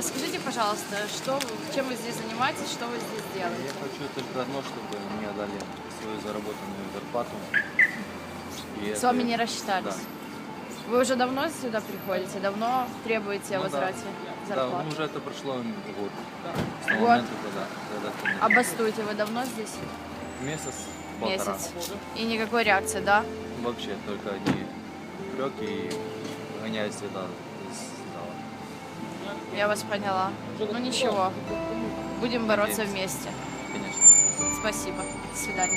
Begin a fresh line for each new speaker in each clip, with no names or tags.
Расскажите, пожалуйста, чем вы здесь занимаетесь, что вы здесь
Я
делаете?
хочу только одно, чтобы мне дали свою заработанную зарплату. И
С
это-
вами не рассчитались?
Да.
Вы уже давно сюда приходите? Давно требуете о
Ну да.
возврате
Да,
зарплаты?
ну уже это прошло год. С того
Год?
момента, когда
А бастуете вы давно здесь?
месяц, полтора.
Месяц. И никакой реакции, да?
Вообще только одни упреки и гоняют сюда из зала.
Я вас поняла. Ну ничего, будем бороться
Надеемся.
вместе.
Конечно.
Спасибо. До свидания.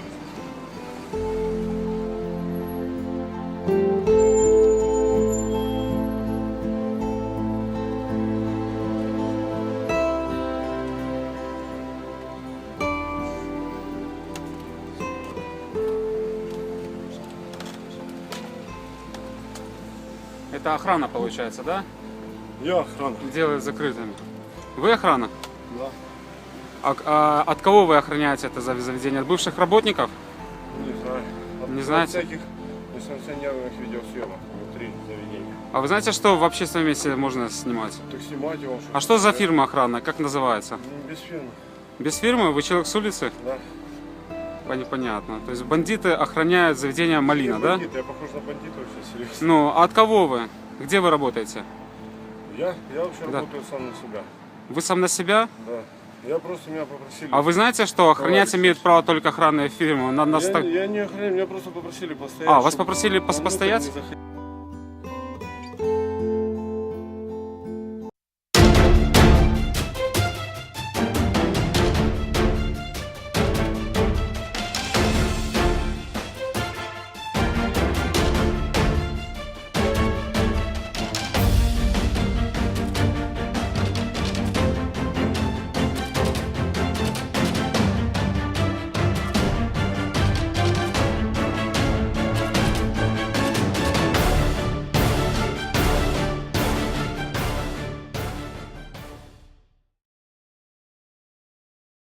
Это охрана получается, да?
Я охрана.
Делают закрытыми. Вы охрана?
Да.
От кого вы охраняете это заведение? От бывших работников?
Не знаю.
Не
От
знаете?
всяких несанкционированных видеосъемок внутри заведения.
А вы знаете, что в общественном месте можно снимать?
Так снимать его.
А что за фирма охрана? Как называется?
Без фирмы.
Без фирмы? Вы человек с улицы?
Да.
Понятно. То есть бандиты охраняют заведение «Малина»,
Я
да?
бандит, я похож на бандита вообще, серьезно.
Ну, а от кого вы? Где вы работаете?
Я вообще
Да.
работаю сам на себя.
Вы сам на себя?
Да. Я просто меня попросили.
А вы знаете, что охранять
Товарищи.
имеют право только охранные фирмы?
Я не охраняю, меня просто попросили постоять.
А, вас
чтобы
попросили
вовнутрь
постоять?
не заходить.